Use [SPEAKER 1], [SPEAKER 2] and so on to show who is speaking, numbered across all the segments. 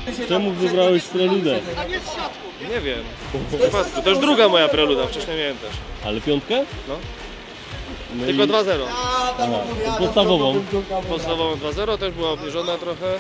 [SPEAKER 1] Czemu wybrałeś preludę?
[SPEAKER 2] Nie wiem. W przypadku. To już druga moja preluda, wcześniej miałem też.
[SPEAKER 1] Ale piątkę?
[SPEAKER 2] No.
[SPEAKER 1] No
[SPEAKER 2] Tylko
[SPEAKER 1] i-
[SPEAKER 2] 2-0.
[SPEAKER 1] Aha, to podstawową.
[SPEAKER 2] Podstawową 2-0 też była obniżona trochę.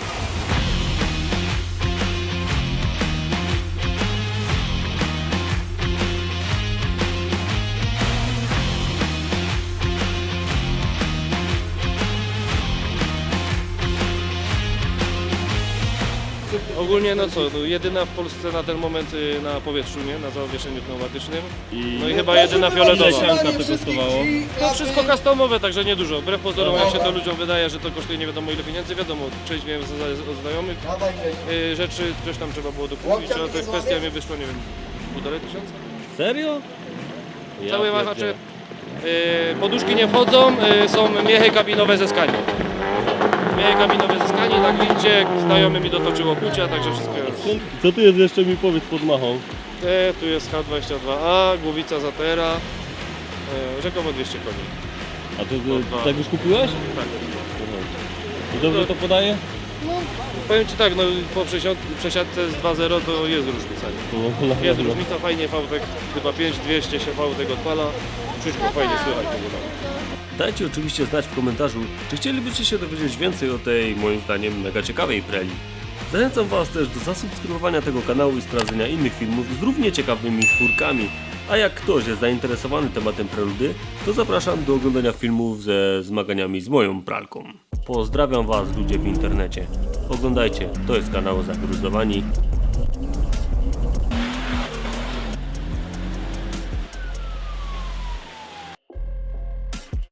[SPEAKER 2] Ogólnie no co, no jedyna w Polsce na ten moment na powietrzu, nie? Na zawieszeniu pneumatycznym. No i chyba jedyna
[SPEAKER 1] Ile
[SPEAKER 2] fioletowa.
[SPEAKER 1] sianka to kosztowało?
[SPEAKER 2] To wszystko customowe, także niedużo. Wbrew pozorom, jak się to ludziom wydaje, że to kosztuje nie wiadomo ile pieniędzy, wiadomo, część miałem od znajomych rzeczy, coś tam trzeba było dokupić, ale to kwestia mi wyszło, nie wiem, 1500?
[SPEAKER 1] Serio? Ja
[SPEAKER 2] Całe
[SPEAKER 1] pierdzielę.
[SPEAKER 2] wahacze, poduszki nie wchodzą, są miechy kabinowe ze skani. Miechy kabinowe ze skani, na gwincie, znajomy mi dotoczyło kucia, także wszystko jest.
[SPEAKER 1] Co tu jest jeszcze, mi powiedz, pod machą?
[SPEAKER 2] Tu jest H22A, głowica Zatera, rzekomo 200 koni.
[SPEAKER 1] A to tak już kupiłeś?
[SPEAKER 2] Tak.
[SPEAKER 1] I dobrze to podaje?
[SPEAKER 2] Powiem Ci tak, no po przesiadce z 2.0 to jest różnica. Nie?
[SPEAKER 1] No,
[SPEAKER 2] Jest różnica, fajnie Fałtek, chyba 5200 się Fałtek odpala, wszystko fajnie słychać w ogóle.
[SPEAKER 3] Dajcie oczywiście znać w komentarzu, czy chcielibyście się dowiedzieć więcej o tej, moim zdaniem, mega ciekawej preli. Zachęcam Was też do zasubskrybowania tego kanału i sprawdzenia innych filmów z równie ciekawymi czwórkami. A jak ktoś jest zainteresowany tematem preludy, to zapraszam do oglądania filmów ze zmaganiami z moją pralką. Pozdrawiam Was, ludzie w internecie. Oglądajcie, to jest kanał Zagruzowani.